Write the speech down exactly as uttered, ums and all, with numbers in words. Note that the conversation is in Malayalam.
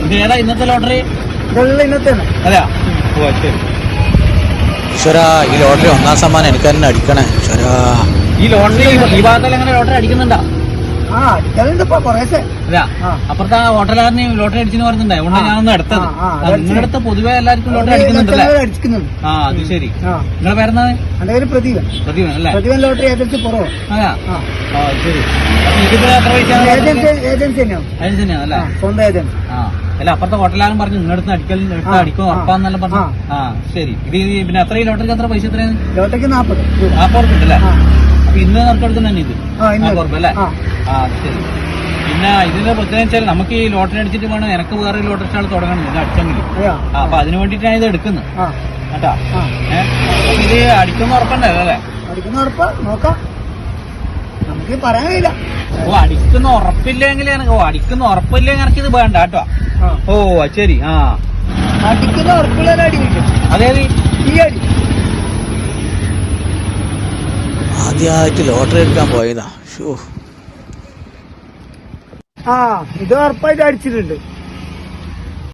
ഏതാ ഇന്നത്തെ ലോട്ടറി? ഇന്നത്തെ അതെയാ? ഓ ശരി. ഈശ്വരാ, ഈ ലോട്ടറി ഒന്നാം സമ്മാനം എനിക്ക് തന്നെ അടിക്കണേ ഈശ്വരാ. ഈ ലോട്ടറി ഈ ഭാഗത്തിൽ എങ്ങനെ ലോട്ടറി അടിക്കുന്നുണ്ടോ? ആ അടിക്കാറുണ്ടപ്പോ കുറേശ്ശെ. അതെയാ? അപ്പുറത്തെ ഹോട്ടലുകാരന് ലോട്ടറി അടിച്ചെന്ന് പറഞ്ഞിട്ടുണ്ടായി. അതുകൊണ്ട് ഞാനൊന്ന് എടുത്തത്. നിങ്ങളുടെ അടുത്ത് പൊതുവെ എല്ലാവർക്കും ലോട്ടറി അടിക്കുന്നുണ്ടല്ലേ? ആ അത് ശരി. നിങ്ങളുടെ പേരെന്താണ്? എന്റെ പേര് പ്രദീപൻ. പ്രദീപൻ അല്ലേ? പ്രദീപൻ ലോട്ടറി ഏജൻസി പുറമോ. അതെയാ? ആ ശരി. ഇതിപ്പോ എത്ര പൈസ? ഏജൻസി ഏജൻസി തന്നെയാണ്. ഏജൻസി തന്നെയാണ് അല്ലേ? സ്വന്തം ഏജൻസി. ആ അല്ല, അപ്പുറത്തെ ഹോട്ടലുകാരൻ പറഞ്ഞു നിങ്ങളുടെ അടിക്കൽ എടുത്ത് അടിക്കും ഉറപ്പാന്നെല്ലാം പറഞ്ഞു. ആ ശരി. ഇത് പിന്നെ എത്ര ഈ ലോട്ടറിക്ക് എത്ര പൈസ എത്രയാണ്? ലോട്ടറിക്ക് നാപ്പത് നാപ്പത് ഉറുപ്പ് ഉണ്ടല്ലേ? അപ്പൊ ഇന്ന് നറുക്കെടുക്കുന്ന തന്നെ ഇത് നാപ്പത് ഉറുപ്പ് അല്ലേ? ആ ശരി. പിന്നെ ഇതിന്റെ പ്രത്യേകത വെച്ചാൽ നമുക്ക് ഈ ലോട്ടറി അടിച്ചിട്ട് വേണം എനക്ക് വേറെ ലോട്ടറി സ്റ്റാൾ തുടങ്ങണം ഇത് അടിച്ചെങ്കിൽ. അപ്പൊ അതിന് വേണ്ടിയിട്ടാണ് ഇത് എടുക്കുന്നത് കേട്ടാ. ഏഹ് ഇത് അടിക്കുന്ന ഉറപ്പുണ്ടല്ലോ അല്ലേ? അടിക്കുന്ന ഉറപ്പ് നോക്കാം, നമുക്ക് പറയാൻ കഴിയില്ല. ഓ അടിക്കുന്ന ഉറപ്പില്ലെങ്കിൽ ഓ അടിക്കുന്ന ഉറപ്പില്ലെങ്കിൽ എനിക്ക് ഇത് വേണ്ട കേട്ടോ. ഓ ശരി. ആ അടിക്കുന്ന ഉറപ്പുള്ള അടി കിട്ടും. അതേത്? ഈ അടി ആദ്യമായിട്ട് ലോട്ടറി എടുക്കാൻ പോയതാ. ഷോ, ആ ഇത് ഉറപ്പായിട്ട് അടിച്ചിട്ടുണ്ട്.